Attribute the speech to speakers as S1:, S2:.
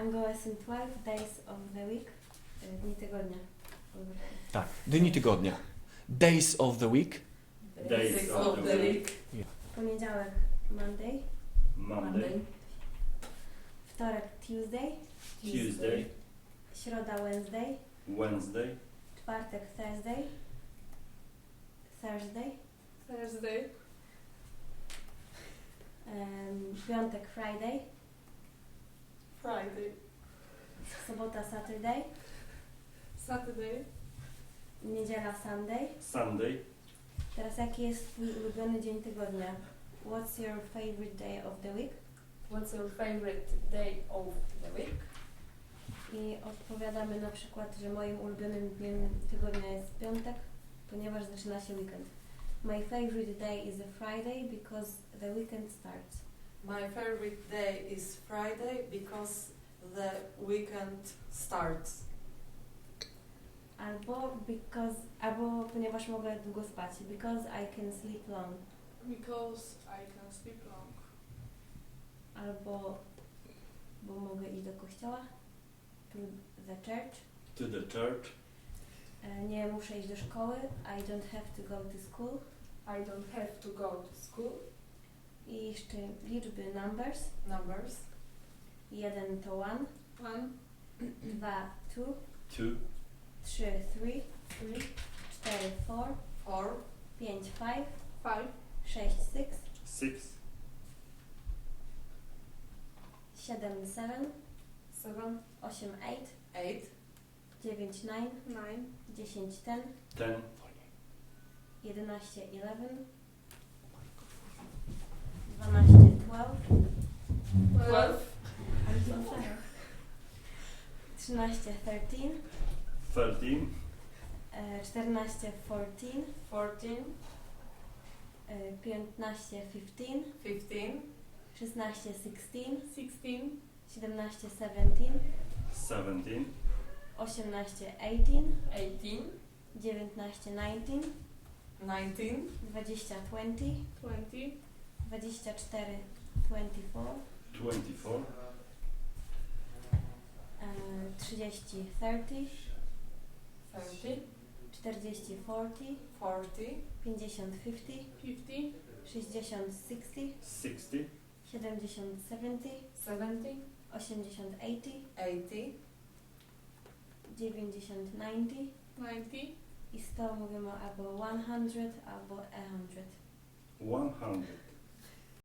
S1: I'm gonna sing 12 days of the week. Dni tygodnia.
S2: Tak, dni tygodnia. Days of the week.
S3: Days of the week.
S1: Poniedziałek Monday.
S3: Monday.
S1: Wtorek Tuesday.
S3: Tuesday.
S1: Środa Wednesday.
S3: Wednesday.
S1: Czwartek Thursday. Thursday. Piątek Friday. Sobota Saturday. Niedziela Sunday.
S3: Sunday.
S1: Teraz jaki jest twój ulubiony dzień tygodnia? What's your favorite day of the week?
S4: What's your favorite day of the week?
S1: I odpowiadamy na przykład, że moim ulubionym dniem tygodnia jest piątek, ponieważ zaczyna się weekend. My favorite day is a Friday because the weekend starts.
S5: My favorite day is Friday because the weekend starts.
S1: Albo ponieważ mogę długo spać. Because I can sleep long.
S6: Because I can sleep long.
S1: Albo bo mogę iść do kościoła. To the church.
S3: To the church.
S1: Nie muszę iść do szkoły. I don't have to go to school.
S4: I don't have to go to school.
S1: I jeszcze liczby numbers. 1 to 1. 2 2.
S3: 2.
S1: 3 3. 4 4. 5 5. 6 6.
S3: 6.
S1: 7 7. 8 8. 9 9. 10 10.
S3: 10.
S1: 11 11. 12 12. 13 13.
S3: 13.
S1: 14 14.
S5: 14,
S1: 15 15. 16 16. 17 17.
S3: 17.
S1: 18 18.
S4: 18.
S1: 19 19.
S5: 19,
S1: 20 20. 24 24.
S3: 24.
S1: 30 30.
S5: 30,
S1: 40 40.
S5: 40,
S1: 50 50. 60 60.
S3: 60.
S1: 70 70.
S5: 70,
S1: 80 80.
S5: 80,
S1: 90 90. I 100 mówimy albo 100 albo 100.
S3: 100.